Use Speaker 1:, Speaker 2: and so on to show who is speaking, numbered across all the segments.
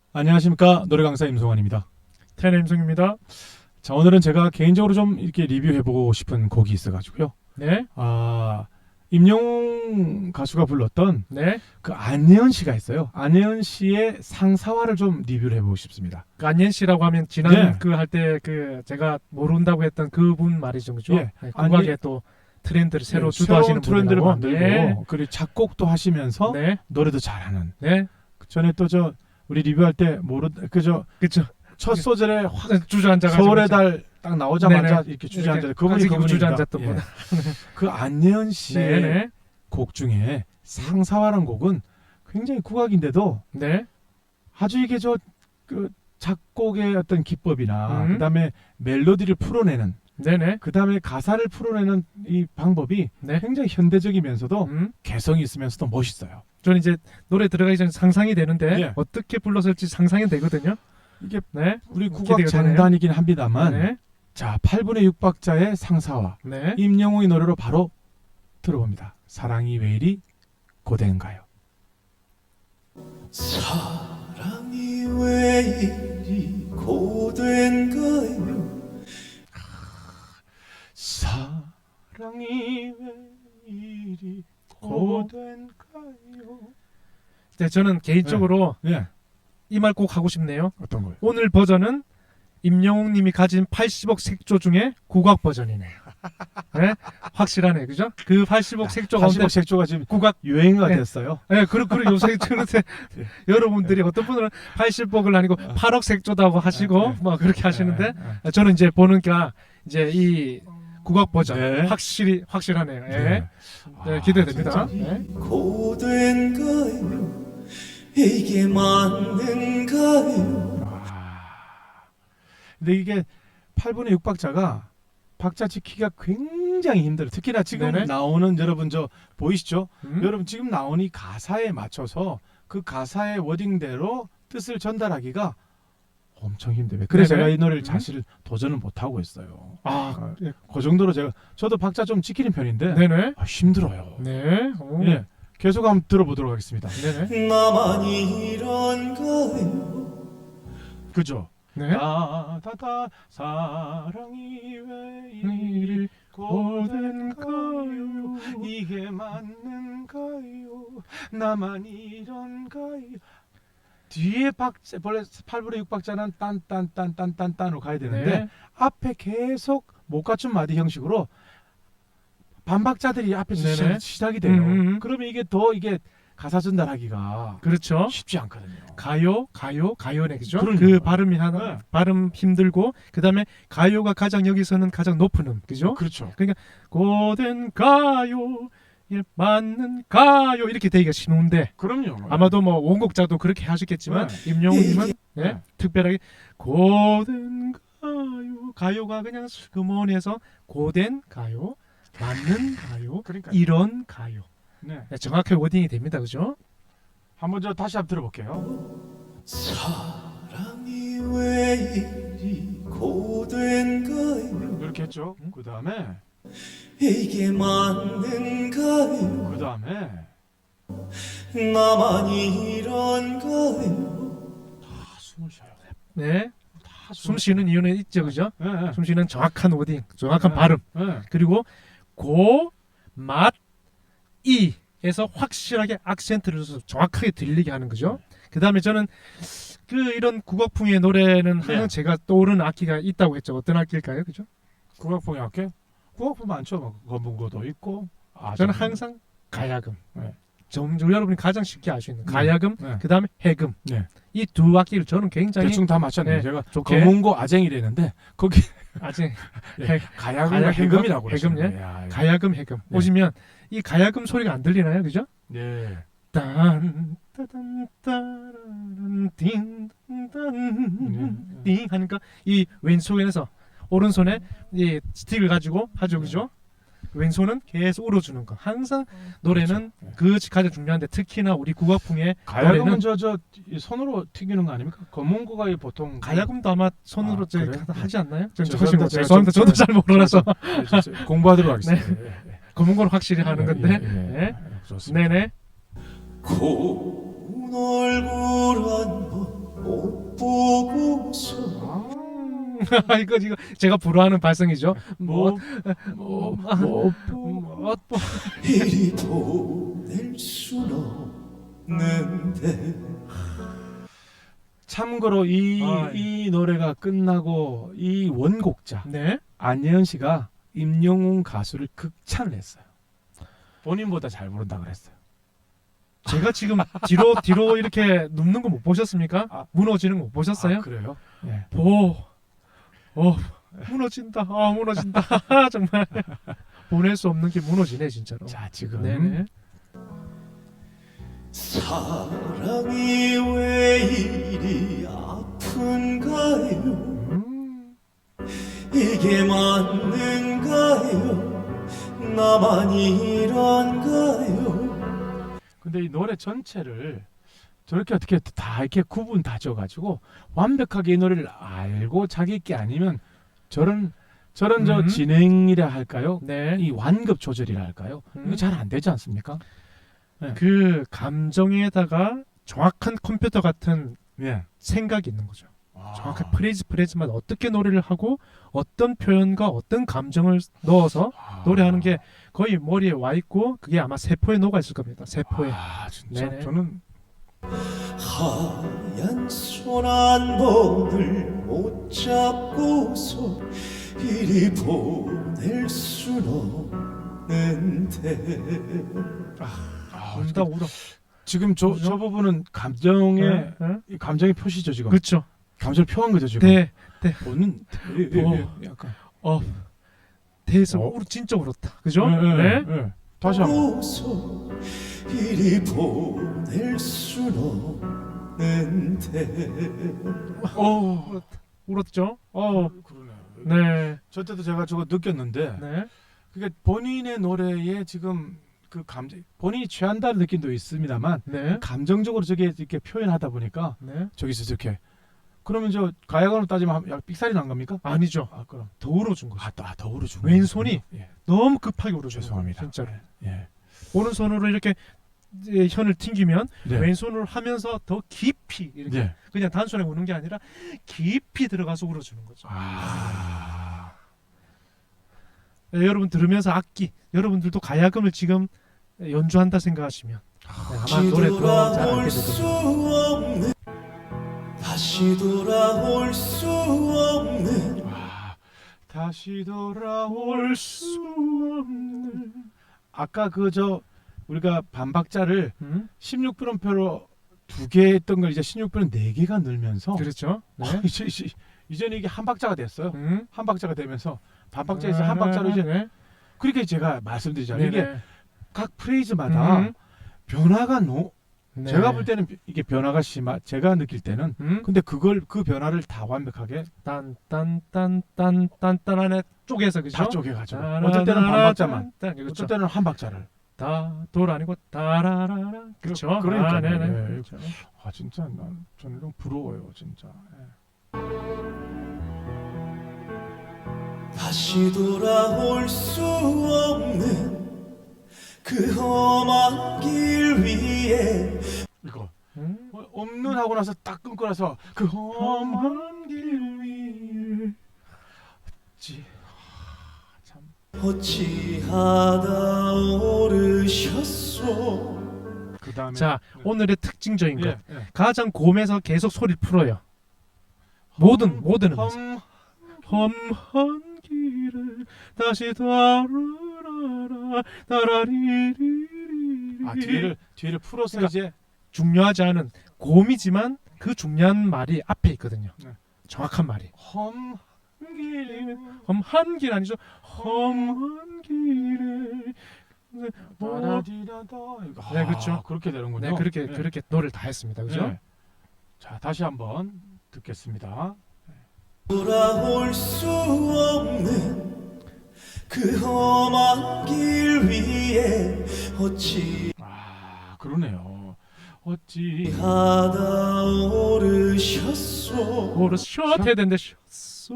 Speaker 1: 안녕하십니까, 노래 강사 임송환입니다.
Speaker 2: 테너 임성입니다.
Speaker 1: 자, 오늘은 제가 개인적으로 좀 이렇게 리뷰해보고 싶은 곡이 있어가지고요.
Speaker 2: 네,
Speaker 1: 임영웅 가수가 불렀던
Speaker 2: 네.
Speaker 1: 그 안예은 씨가 있어요. 안예은 씨의 상사화를 좀 리뷰를 해보고 싶습니다.
Speaker 2: 그 안옌 씨라고 하면 지난
Speaker 1: 네.
Speaker 2: 그 할 때 그 제가 모른다고 했던 그분 말이죠, 그죠?
Speaker 1: 예.
Speaker 2: 네, 국악의 또 트렌드를 새로
Speaker 1: 네,
Speaker 2: 주도하시는
Speaker 1: 새로운 트렌드를
Speaker 2: 분이라고.
Speaker 1: 만들고
Speaker 2: 네,
Speaker 1: 그리고 작곡도 하시면서
Speaker 2: 네,
Speaker 1: 노래도 잘하는.
Speaker 2: 네,
Speaker 1: 전에 또 저 우리 리뷰할 때 그저
Speaker 2: 그렇죠.
Speaker 1: 첫 소절에 확
Speaker 2: 주저앉아가지고
Speaker 1: 서울의 달 딱 나오자마자
Speaker 2: 네네.
Speaker 1: 이렇게 주저앉아.
Speaker 2: 이렇게
Speaker 1: 그분이
Speaker 2: 가지고
Speaker 1: 그분입니다.
Speaker 2: 주저앉았던
Speaker 1: 예.
Speaker 2: 분.
Speaker 1: 그 안예은 씨의
Speaker 2: 네,
Speaker 1: 곡 중에 상사화라는 곡은 굉장히 국악인데도
Speaker 2: 네,
Speaker 1: 아주 이게 그 작곡의 어떤 기법이나
Speaker 2: 음.
Speaker 1: 그다음에 멜로디를 풀어내는
Speaker 2: 네, 네,
Speaker 1: 그다음에 가사를 풀어내는 이 방법이
Speaker 2: 네.
Speaker 1: 굉장히 현대적이면서도
Speaker 2: 음.
Speaker 1: 개성이 있으면서도 멋있어요.
Speaker 2: 저는 이제 노래 들어가기 전에 상상이 되는데
Speaker 1: 예.
Speaker 2: 어떻게 불렀을지 상상이 되거든요.
Speaker 1: 이게
Speaker 2: 네,
Speaker 1: 우리 국악
Speaker 2: 기대가 되네요.
Speaker 1: 장단이긴 합니다만
Speaker 2: 네,
Speaker 1: 자 8분의 6박자의 상사화
Speaker 2: 네.
Speaker 1: 임영웅의 노래로 바로 들어봅니다. 사랑이 왜 이리 고된가요?
Speaker 3: 사랑이 왜 이리 고된가요?
Speaker 1: 사랑이 왜 이리 고된가요?
Speaker 2: 네, 저는 개인적으로
Speaker 1: 예.
Speaker 2: 이 말 꼭 하고 싶네요.
Speaker 1: 어떤 거요?
Speaker 2: 오늘 버전은 임영웅 님이 가진 80억 색조 중에 국악 버전이네요. 네? 확실하네, 그죠? 그 80억 색조 가운데
Speaker 1: 80억 색조가 지금
Speaker 2: 국악,
Speaker 1: 유행어가
Speaker 2: 네.
Speaker 1: 됐어요.
Speaker 2: 네, 그리고 요새 그런데 여러분들이 어떤 분들은 80억을 아니고 8억 색조다고 하시고 뭐 그렇게 하시는데 저는 이제 보니까 이제 이 국악 버전
Speaker 1: 네.
Speaker 2: 확실하네요. 예. 네, 기대됩니다. 네.
Speaker 3: 고된가요? 이게 맞는가요?
Speaker 1: 근데 이게 8분의 6박자가 박자 지키기가 굉장히 힘들어요. 특히나 지금
Speaker 2: 네네.
Speaker 1: 나오는 여러분 저 보이시죠?
Speaker 2: 음?
Speaker 1: 여러분 지금 나오는 이 가사에 맞춰서 그 가사의 워딩대로 뜻을 전달하기가 엄청 힘들어요. 그래서
Speaker 2: 네네.
Speaker 1: 제가 이 노래를
Speaker 2: 음.
Speaker 1: 사실 도전을 못 하고 있어요.
Speaker 2: 아, 예.
Speaker 1: 그 정도로 저도 박자 좀 지키는 편인데
Speaker 2: 네네.
Speaker 1: 힘들어요.
Speaker 2: 네. 오.
Speaker 1: 예, 계속 한번 들어보도록 하겠습니다.
Speaker 2: 네네.
Speaker 3: 나만 이런가요?
Speaker 1: 그죠?
Speaker 2: 네.
Speaker 1: 따다다 사랑이 왜 이리 고된가요? 이게 맞는가요? 나만 이런가요? 뒤에 박자 원래 8분의 6박자는 딴딴딴딴딴딴으로 가야 되는데
Speaker 2: 네.
Speaker 1: 앞에 계속 못 갖춘 마디 형식으로 반박자들이 앞에서
Speaker 2: 네네.
Speaker 1: 시작이 돼요.
Speaker 2: 음.
Speaker 1: 그러면 이게 가사 전달하기가
Speaker 2: 그렇죠.
Speaker 1: 쉽지 않거든요.
Speaker 2: 가요네, 그죠?
Speaker 1: 그러니까요.
Speaker 2: 그 발음이 하나,
Speaker 1: 네.
Speaker 2: 발음 힘들고, 그 다음에 가요가 가장 여기서는 가장 높은 그죠?
Speaker 1: 그렇죠.
Speaker 2: 고된 가요, 예, 맞는 가요, 이렇게 되기가 쉬운데,
Speaker 1: 그럼요.
Speaker 2: 아마도 뭐 원곡자도 그렇게 하셨겠지만, 임영웅님은
Speaker 1: 네.
Speaker 2: 특별하게 고된 가요, 가요가 그냥 슬그머니해서 고된 가요, 맞는 가요,
Speaker 1: 그러니까
Speaker 2: 이런 가요.
Speaker 1: 네.
Speaker 2: 네, 정확하게 워딩이 됩니다, 그죠?
Speaker 1: 한번 다시 한번 들어볼게요.
Speaker 3: 사랑이 왜 이리 고된가요?
Speaker 1: 이렇게 했죠. 그 다음에
Speaker 3: 이게 맞는가요?
Speaker 1: 그 다음에
Speaker 3: 나만 이런가요?
Speaker 1: 다 숨을 쉬어요.
Speaker 2: 네.
Speaker 1: 다
Speaker 2: 숨 쉬는 이유는 있죠, 그죠?
Speaker 1: 네, 네.
Speaker 2: 숨 쉬는 정확한 워딩, 정확한
Speaker 1: 네.
Speaker 2: 발음,
Speaker 1: 네.
Speaker 2: 그리고 고, 맛, 이에서 확실하게 악센트를 줘서 정확하게 들리게 하는 거죠. 그 다음에 저는 이런 국악풍의 노래는 항상
Speaker 1: 네.
Speaker 2: 제가 떠오르는 악기가 있다고 했죠. 어떤 악기일까요, 그죠?
Speaker 1: 국악풍이 할게. 국악풍 많죠. 뭐 검은고도 있고.
Speaker 2: 저는 항상 가야금.
Speaker 1: 네.
Speaker 2: 여러분이 가장 쉽게 알 수 있는 가야금,
Speaker 1: 네.
Speaker 2: 그 다음에 해금.
Speaker 1: 네.
Speaker 2: 이 두 악기를 저는 굉장히
Speaker 1: 대충 다 맞췄네요.
Speaker 2: 네,
Speaker 1: 제가
Speaker 2: 좋게.
Speaker 1: 검은고 아쟁이랬는데 거기
Speaker 2: 아직
Speaker 1: 가야금과
Speaker 2: 가야금과
Speaker 1: 해금이라고
Speaker 2: 해금,
Speaker 1: 그러시네요. 야, 이거.
Speaker 2: 가야금, 해금
Speaker 1: 네.
Speaker 2: 오시면 이 가야금 소리가 안 들리나요, 그죠?
Speaker 1: 네.
Speaker 2: 딴 따단 따란 띵딴 띵 하니까 이 왼손에서 오른손에 이 스틱을 가지고 하죠, 그죠? 왼손은 계속 울어주는 거. 항상 노래는
Speaker 1: 그렇죠.
Speaker 2: 그것이 가장 중요한데 특히나 우리 국악풍의
Speaker 1: 가야금은
Speaker 2: 노래는
Speaker 1: 이 손으로 튀기는 거 아닙니까? 검은고가 보통
Speaker 2: 가야금도 아마 손으로
Speaker 1: 그래요?
Speaker 2: 하지 않나요?
Speaker 1: 죄송합니다.
Speaker 2: 죄송합니다. 저도 잘 몰라서
Speaker 1: 공부하도록 하겠습니다. 네.
Speaker 2: 검은 걸 확실히 하는 건데.
Speaker 1: 예.
Speaker 2: 네.
Speaker 1: 좋습니다.
Speaker 2: 네네.
Speaker 3: 고운 얼굴 한번 못 보고서
Speaker 2: 이거 제가 불어하는 발성이죠.
Speaker 1: 뭐,
Speaker 3: 이리 보낼 순 없는데
Speaker 1: 참고로 이 노래가 끝나고 이 원곡자
Speaker 2: 네.
Speaker 1: 안예은 씨가 임영웅 가수를 극찬을 했어요. 본인보다 잘 부른다 그랬어요.
Speaker 2: 제가 지금 뒤로 이렇게 눕는 거 못 보셨습니까?
Speaker 1: 아.
Speaker 2: 무너지는 거 못 보셨어요?
Speaker 1: 아, 그래요? 예.
Speaker 2: 무너진다. 무너진다. 정말 보낼 수 없는 게 무너지네 진짜로.
Speaker 1: 자, 지금
Speaker 2: 네네.
Speaker 3: 사랑이 왜 이리 아픈가요? 이게 맞는가요? 나만 이런가요?
Speaker 1: 근데 이 노래 전체를 저렇게 어떻게 다 이렇게 구분 다져가지고 완벽하게 이 노래를 알고 자기 게 아니면 저런 저 진행이라 할까요?
Speaker 2: 네.
Speaker 1: 이 완급 조절이라 할까요? 이거 잘 안 되지 않습니까?
Speaker 2: 그 감정에다가 정확한 컴퓨터 같은
Speaker 1: 예.
Speaker 2: 생각이 있는 거죠.
Speaker 1: 아.
Speaker 2: 정확한 프레이즈마다 어떻게 노래를 하고 어떤 표현과 어떤 감정을 넣어서 노래하는 게 거의 머리에 와 있고 그게 아마 세포에 녹아 있을 겁니다. 세포에.
Speaker 1: 진짜
Speaker 2: 네네.
Speaker 1: 저는
Speaker 3: 하얀 손 한 번을 못 잡고서 이리 보낼 순 없는데
Speaker 2: 운다 울어.
Speaker 1: 지금 저 부분은 감정의
Speaker 2: 네.
Speaker 1: 이 감정의 표시죠 지금.
Speaker 2: 그렇죠.
Speaker 1: 감정을 표한 거죠 지금.
Speaker 2: 네.
Speaker 1: 보는 약간
Speaker 2: 대에서
Speaker 1: 어?
Speaker 2: 진짜 울었다. 그죠?
Speaker 1: 네.
Speaker 2: 네.
Speaker 1: 다시 한번.
Speaker 3: 고서 이리 보낼 순 없는데
Speaker 2: 울었죠.
Speaker 1: 그러네.
Speaker 2: 네.
Speaker 1: 저 때도 제가 저거 느꼈는데
Speaker 2: 네.
Speaker 1: 그게 본인의 노래에 지금 그 감정 본인이 취한다는 느낌도 있습니다만
Speaker 2: 네.
Speaker 1: 감정적으로 저게 이렇게 표현하다 보니까
Speaker 2: 네.
Speaker 1: 저기서 이렇게 그러면 저 가야관으로 따지면 약 삑살이 난 겁니까?
Speaker 2: 아니죠.
Speaker 1: 그럼
Speaker 2: 더 울어준 거죠.
Speaker 1: 더 오르죠.
Speaker 2: 왼손이
Speaker 1: 예.
Speaker 2: 너무 급하게 울어준
Speaker 1: 죄송합니다.
Speaker 2: 거예요. 진짜로.
Speaker 1: 예.
Speaker 2: 오른손으로 이렇게 이제 혀를 튕기면
Speaker 1: 네.
Speaker 2: 왼손으로 하면서 더 깊이 이렇게
Speaker 1: 예.
Speaker 2: 그냥 단순하게 우는 게 아니라 깊이 들어가서 울어주는 거죠. 네, 여러분 들으면서 악기 여러분들도 가야금을 지금 연주한다 생각하시면 아마 노래 더 잘 알게 될 겁니다.
Speaker 3: 다시 돌아올 수 없는
Speaker 1: 다시 돌아올 수 없는 아까 우리가 반박자를 16분음표로 2개 했던 걸 이제 16분은 4개가 늘면서
Speaker 2: 그렇죠. 네.
Speaker 1: 이제는 이게 한 박자가 됐어요.
Speaker 2: 음.
Speaker 1: 한 박자가 되면서 반박자에서 한 박자로 이제
Speaker 2: 네.
Speaker 1: 그렇게 제가 말씀드리잖아요. 이게
Speaker 2: 네네.
Speaker 1: 각 프레이즈마다 변화가
Speaker 2: 네.
Speaker 1: 제가 볼 때는 이게 변화가 제가 느낄 때는 근데 그 변화를 다 완벽하게
Speaker 2: 딴딴딴딴딴 안에 쪼개서 그죠?
Speaker 1: 다 쪼개가지고 어쩔 때는 반박자만
Speaker 2: 그렇죠.
Speaker 1: 어쩔 때는 한 박자를
Speaker 2: 다돌 아니고 따라라라 그렇죠.
Speaker 1: 그러니까요.
Speaker 2: 네네.
Speaker 1: 예.
Speaker 2: 그렇죠.
Speaker 1: 진짜 저는 좀 부러워요 진짜.
Speaker 3: 다시 돌아올 수 없는 그 험한 길 위에
Speaker 1: 이거 없는 하고 나서 딱 끊고 나서 그 험한
Speaker 2: 험한 길 위에
Speaker 1: 참
Speaker 3: 어찌하다 오르셨소.
Speaker 1: 그 다음에
Speaker 2: 자 오늘의 특징적인 것
Speaker 1: 예.
Speaker 2: 가장 고음에서 계속 소리를 풀어요. 모든 음에서 험한 길을 다시 따라라라 따라리리리
Speaker 1: 뒤를 풀어서
Speaker 2: 그러니까
Speaker 1: 이제
Speaker 2: 중요하지 않은 고음이지만 그 중요한 말이 앞에 있거든요.
Speaker 1: 네.
Speaker 2: 정확한 말이
Speaker 1: 험한 길
Speaker 2: 험한 길 아니죠. 험한 길에
Speaker 1: 따라디라다
Speaker 2: 네, 그렇죠.
Speaker 1: 그렇게 되는군요.
Speaker 2: 네 그렇게 노래를 다 했습니다. 그죠?
Speaker 1: 네. 자 다시 한번 듣겠습니다.
Speaker 3: 돌아올 수 없는 그 험한 길 위에 어찌
Speaker 1: 그러네요. 어찌
Speaker 3: 하다 오르셨소
Speaker 2: 오르셨 해야 되는데 셨소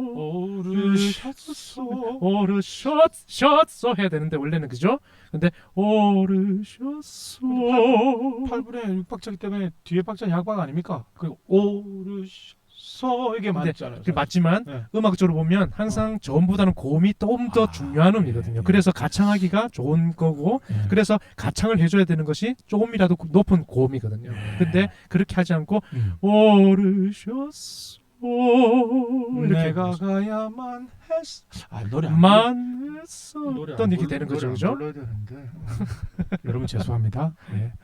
Speaker 1: 오르셨소
Speaker 2: 오르셨소 해야 되는데 원래는 그죠? 근데 오르셨소
Speaker 1: 8분의 6박자기 때문에 뒤에 박자는 약박 아닙니까? 그 오르셔서 이게
Speaker 2: 근데
Speaker 1: 맞잖아요.
Speaker 2: 맞지만
Speaker 1: 네.
Speaker 2: 음악적으로 보면 항상 저음보다는 고음이 좀 더 중요한 음이거든요.
Speaker 1: 예.
Speaker 2: 그래서 가창하기가 좋은 거고
Speaker 1: 예.
Speaker 2: 그래서 가창을 해줘야 되는 것이 조금이라도 높은 고음이거든요.
Speaker 1: 예.
Speaker 2: 근데 그렇게 하지 않고 오르셨소 이렇게
Speaker 1: 내가
Speaker 2: 해서
Speaker 1: 가야만 했어. 아 노래 안
Speaker 2: 만
Speaker 1: 노래
Speaker 2: 했었던 이렇게 되는 거죠, 그죠?
Speaker 1: 불러야 되는데. 여러분 죄송합니다. 예.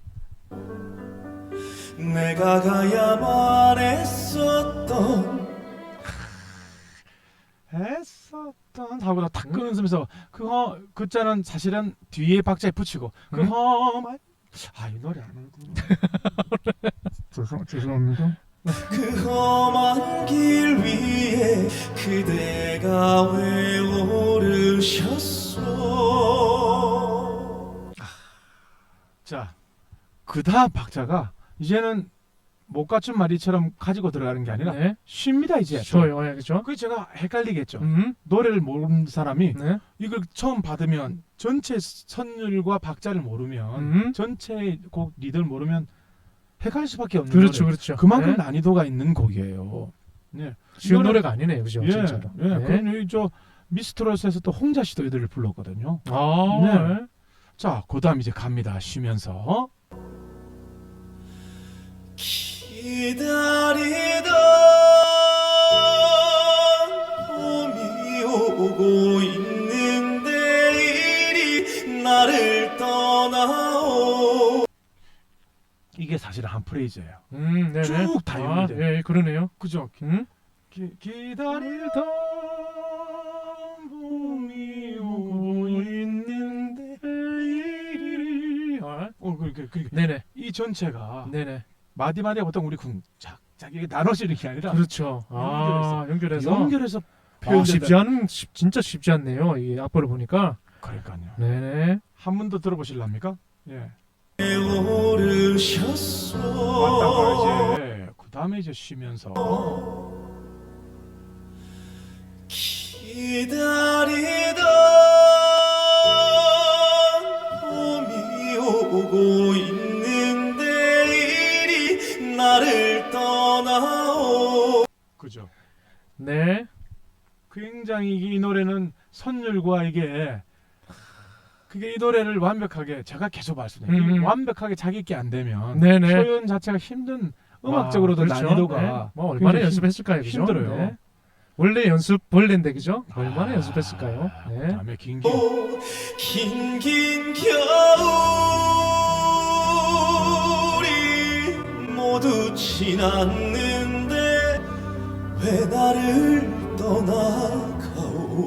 Speaker 3: 내가 가야만 했었던
Speaker 1: 했었던 하고 탁 끊으면서 그 자는 사실은 뒤에 박자에 붙이고 그
Speaker 2: 음?
Speaker 1: 험한 이 노래 안 하고 죄송합니다.
Speaker 3: 그 험한 길 위에 그대가 왜 오르셨소
Speaker 1: 자, 그 다음 박자가 이제는 못 갖춘 말이처럼 가지고 들어가는 게 아니라
Speaker 2: 네.
Speaker 1: 쉽니다 이제.
Speaker 2: 쉬워요, 예, 그죠?
Speaker 1: 그게 제가 헷갈리겠죠.
Speaker 2: 음,
Speaker 1: 노래를 모르는 사람이
Speaker 2: 네.
Speaker 1: 이걸 처음 받으면 전체 선율과 박자를 모르면 전체 곡 리드를 모르면 헷갈릴 수밖에 없는
Speaker 2: 그렇죠,
Speaker 1: 노래.
Speaker 2: 그렇죠.
Speaker 1: 그만큼
Speaker 2: 네.
Speaker 1: 난이도가 있는 곡이에요. 네.
Speaker 2: 쉬운
Speaker 1: 이거는-
Speaker 2: 노래가 아니네요, 그죠?
Speaker 1: 예,
Speaker 2: 진짜로.
Speaker 1: 예.
Speaker 2: 네.
Speaker 1: 그럼 여기 저 미스트롯에서 또 홍자 씨도 이들을 불렀거든요.
Speaker 2: 아,
Speaker 1: 네.
Speaker 2: 네.
Speaker 1: 자, 그다음 이제 갑니다. 쉬면서.
Speaker 3: 기다리던 봄이 오고 있는데 이리 나를 떠나오
Speaker 1: 이게 사실은 한 프레이즈예요.
Speaker 2: 네네.
Speaker 1: 쭉 다 연결돼.
Speaker 2: 예, 그러네요.
Speaker 1: 그죠?
Speaker 2: 음?
Speaker 1: 기다리던 봄이 오고 있는데 이리 그러니까
Speaker 2: 네네.
Speaker 1: 이 전체가
Speaker 2: 네네.
Speaker 1: 마디마디가 보통 우리 쿵짝짝 이게 나눠지는 게 아니라
Speaker 2: 그렇죠. 연결해서.
Speaker 1: 연결해서
Speaker 2: 쉽지 않은 진짜 쉽지 않네요. 이 악보를 보니까.
Speaker 1: 그러니까요.
Speaker 2: 네네.
Speaker 1: 한 번 더 들어보실랍니까? 예.
Speaker 3: 오르셨소
Speaker 1: 왔다가 이제 그 다음에 이제 쉬면서
Speaker 3: 기다리던 봄이 오고 있는데 이리 나를 떠나오
Speaker 1: 그죠?
Speaker 2: 네.
Speaker 1: 굉장히 이 노래는 선율과 이게 그게 이 노래를 완벽하게 제가 계속 말씀드려요. 완벽하게 자기 있게 안 되면
Speaker 2: 네네.
Speaker 1: 표현 자체가 힘든 음악적으로도
Speaker 2: 그렇죠.
Speaker 1: 난이도가
Speaker 2: 네. 뭐 얼마나
Speaker 1: 굉장히
Speaker 2: 연습했을까요, 그죠?
Speaker 1: 힘들어요.
Speaker 2: 네. 원래 연습 벌레인데 그죠? 얼마나 연습했을까요? 네.
Speaker 1: 그다음에 긴긴
Speaker 3: 긴긴 겨울이 모두 지났는데 왜 나를 떠나가오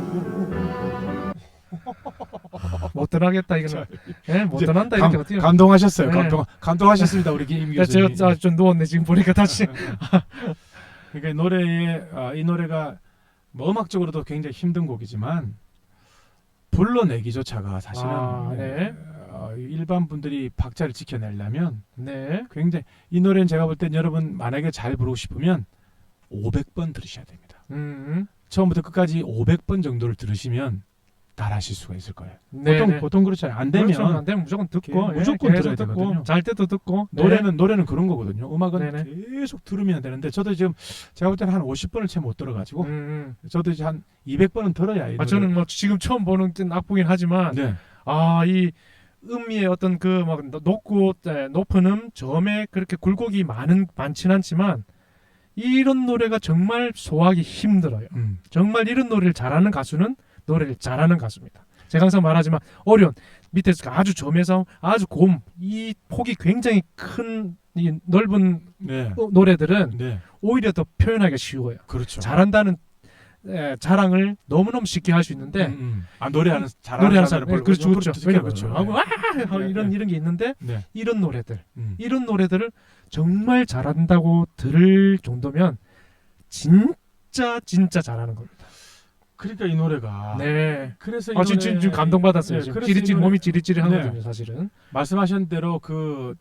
Speaker 2: 못 떠나겠다 이거는. 네, 못 떠난다 이렇게 어떻게?
Speaker 1: 감동하셨어요.
Speaker 2: 네.
Speaker 1: 감동하셨습니다. 우리 김
Speaker 2: 자,
Speaker 1: 교수님.
Speaker 2: 제가 좀 누웠네 지금 보니까 다시.
Speaker 1: 그러니까 노래에 이 노래가 뭐 음악적으로도 굉장히 힘든 곡이지만 불러내기조차가 사실은
Speaker 2: 네.
Speaker 1: 일반 분들이 박자를 지켜내려면
Speaker 2: 네.
Speaker 1: 굉장히 이 노래는 제가 볼 땐 여러분 만약에 잘 부르고 싶으면 500번 들으셔야 됩니다. 처음부터 끝까지 500번 정도를 들으시면 따라하실 수가 있을 거예요.
Speaker 2: 네.
Speaker 1: 보통 그렇잖아요. 안 되면
Speaker 2: 그렇죠. 안 되면 무조건 듣고
Speaker 1: 무조건
Speaker 2: 계속
Speaker 1: 들어야
Speaker 2: 듣고,
Speaker 1: 되거든요.
Speaker 2: 잘 때도 듣고. 네.
Speaker 1: 노래는 그런 거거든요. 음악은
Speaker 2: 네네.
Speaker 1: 계속 들으면 되는데 저도 지금 제가 볼 때는 한 50번을 채 못 들어가지고 저도 이제 한 200번은 들어야 이
Speaker 2: 저는 뭐 지금 처음 보는 악보긴 하지만
Speaker 1: 네.
Speaker 2: 이 음미의 어떤 그 막 높고 높은 저음에 그렇게 굴곡이 많진 않지만 이런 노래가 정말 소화하기 힘들어요. 정말 이런 노래를 잘하는 가수는 노래를 잘하는 가수입니다. 제가 항상 말하지만 어려운 밑에서 아주 저음에서 아주 고음 이 폭이 굉장히 큰 이 넓은
Speaker 1: 네.
Speaker 2: 노래들은
Speaker 1: 네.
Speaker 2: 오히려 더 표현하기가 쉬워요.
Speaker 1: 그렇죠.
Speaker 2: 잘한다는 자랑을 너무너무 쉽게 할 수 있는데
Speaker 1: 노래하는 잘하는
Speaker 2: 노래하는
Speaker 1: 사람을
Speaker 2: 사람 그렇죠, 그렇죠.
Speaker 1: 그렇죠.
Speaker 2: 이런 게 있는데
Speaker 1: 네.
Speaker 2: 이런 노래들
Speaker 1: 이런
Speaker 2: 노래들을 정말 잘한다고 들을 정도면 진짜 잘하는 겁니다.
Speaker 1: 그러니까 이 노래가
Speaker 2: 네.
Speaker 1: 그래서 이
Speaker 2: 지금 감동받았어요.
Speaker 1: 네,
Speaker 2: 지금
Speaker 1: 그래서 이 노래-
Speaker 2: 몸이 찌릿찌릿하거든요,
Speaker 1: 네.
Speaker 2: 사실은.
Speaker 1: 말씀하신 대로 그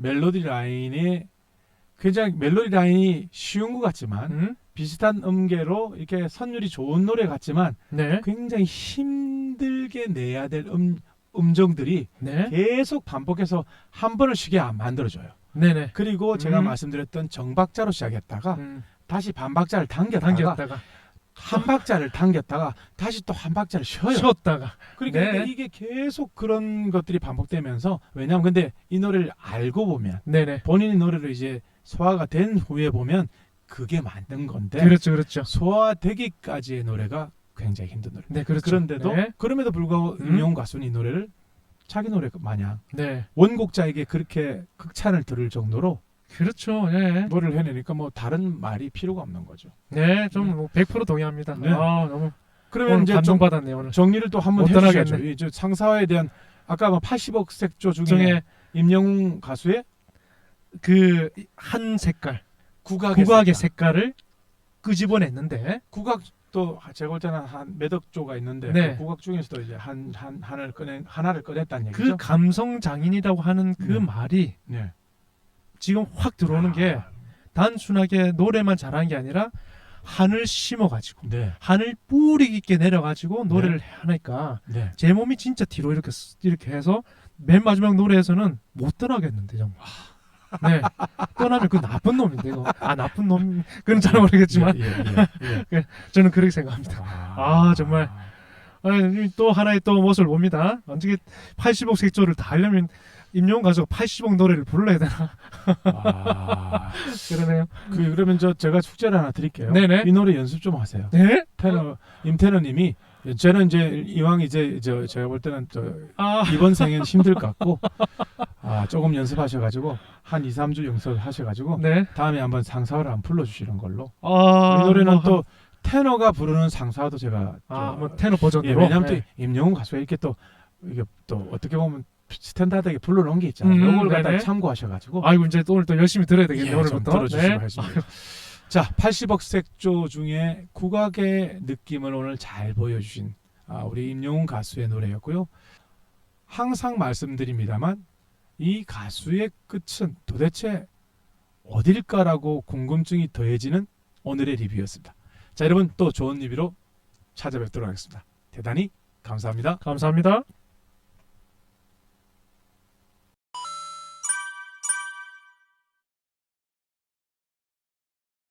Speaker 1: 멜로디 라인이 굉장히 멜로디 라인이 쉬운 것 같지만 비슷한 음계로 이렇게 선율이 좋은 노래 같지만
Speaker 2: 네.
Speaker 1: 굉장히 힘들게 내야 될 음정들이
Speaker 2: 네.
Speaker 1: 계속 반복해서 한 번을 쉬게 안 만들어줘요.
Speaker 2: 네네.
Speaker 1: 그리고 제가 말씀드렸던 정박자로 시작했다가 다시 반박자를 당겼다가 한 박자를 당겼다가 다시 또 한 박자를 쉬어요.
Speaker 2: 쉬었다가.
Speaker 1: 그러니까
Speaker 2: 네.
Speaker 1: 이게 계속 그런 것들이 반복되면서 왜냐하면 근데 이 노래를 알고 보면
Speaker 2: 네네.
Speaker 1: 본인이 노래를 이제 소화가 된 후에 보면 그게 만든 건데
Speaker 2: 그렇죠, 그렇죠.
Speaker 1: 소화되기까지의 노래가 굉장히 힘든 노래.
Speaker 2: 네, 그렇죠.
Speaker 1: 그런데도
Speaker 2: 네.
Speaker 1: 그럼에도 불구하고 임영웅 가수는 이 노래를 자기 노래 마냥
Speaker 2: 네.
Speaker 1: 원곡자에게 그렇게 극찬을 들을 정도로
Speaker 2: 그렇죠. 네.
Speaker 1: 노래를 해내니까 뭐 다른 말이 필요가 없는 거죠.
Speaker 2: 네, 좀 100% 동의합니다.
Speaker 1: 네.
Speaker 2: 아, 너무
Speaker 1: 그러면
Speaker 2: 오늘
Speaker 1: 이제 좀
Speaker 2: 감동받았네요, 오늘.
Speaker 1: 정리를 또 한번
Speaker 2: 못
Speaker 1: 해주셔야죠.
Speaker 2: 떠나겠네.
Speaker 1: 이 상사화에 대한 아까 뭐 80억 색조 중에
Speaker 2: 중에
Speaker 1: 임영웅 가수의
Speaker 2: 그 한 색깔,
Speaker 1: 국악의
Speaker 2: 국악의
Speaker 1: 색깔.
Speaker 2: 색깔을 끄집어냈는데
Speaker 1: 국악도 제가 볼 때는 한 몇 억 조가 있는데
Speaker 2: 네.
Speaker 1: 그 국악 중에서도 이제 하나를 꺼냈다는
Speaker 2: 그
Speaker 1: 얘기죠.
Speaker 2: 감성 장인이라고 하는 그
Speaker 1: 네.
Speaker 2: 말이
Speaker 1: 네.
Speaker 2: 지금 확 들어오는 게 단순하게 노래만 잘한 게 아니라 한을 심어가지고
Speaker 1: 네.
Speaker 2: 한을 뿌리 깊게 내려가지고 노래를 하니까
Speaker 1: 네.
Speaker 2: 제 몸이 진짜 뒤로 이렇게 해서 맨 마지막 노래에서는 못 떠나겠는데 정말. 네, 떠나면 그 나쁜 놈인데 이거. 아, 나쁜 놈 그건 잘 모르겠지만
Speaker 1: 예.
Speaker 2: 저는 그렇게 생각합니다. 아, 정말. 또 하나의 또 모습을 봅니다. 어떻게 80억 색조를 다 하려면 임영웅 가수가 80억 노래를 불러야 되나? 그러네요.
Speaker 1: 그러면 제가 숙제를 하나 드릴게요.
Speaker 2: 네네.
Speaker 1: 이 노래 연습 좀 하세요.
Speaker 2: 네?
Speaker 1: 임태너님이 저는 이제 이왕 이제 제가 볼 때는 이번 생엔 힘들 것 같고 조금 연습하셔가지고 한 2, 3주 연습하셔가지고
Speaker 2: 네.
Speaker 1: 다음에 한번 상사화를 한번 불러주시는 걸로.
Speaker 2: 아,
Speaker 1: 이 노래는
Speaker 2: 뭐
Speaker 1: 또 테너가 부르는 상사화도 제가
Speaker 2: 뭐 테너 버전으로.
Speaker 1: 왜냐하면
Speaker 2: 네.
Speaker 1: 또 임영웅 가수가 이렇게 또 이게 또 어떻게 보면 스탠다드하게 불러놓은 게 있잖아요. 이걸 갖다
Speaker 2: 네네.
Speaker 1: 참고하셔가지고
Speaker 2: 아이고 이제 또 오늘 또 열심히 들어야 되겠네요.
Speaker 1: 좀
Speaker 2: 오늘부터.
Speaker 1: 들어주시고
Speaker 2: 네.
Speaker 1: 하십니다. 자, 80억 색조 중에 국악의 느낌을 오늘 잘 보여주신 우리 임영웅 가수의 노래였고요. 항상 말씀드립니다만 이 가수의 끝은 도대체 어딜까라고 궁금증이 더해지는 오늘의 리뷰였습니다. 자, 여러분 또 좋은 리뷰로 찾아뵙도록 하겠습니다. 대단히 감사합니다.
Speaker 2: 감사합니다.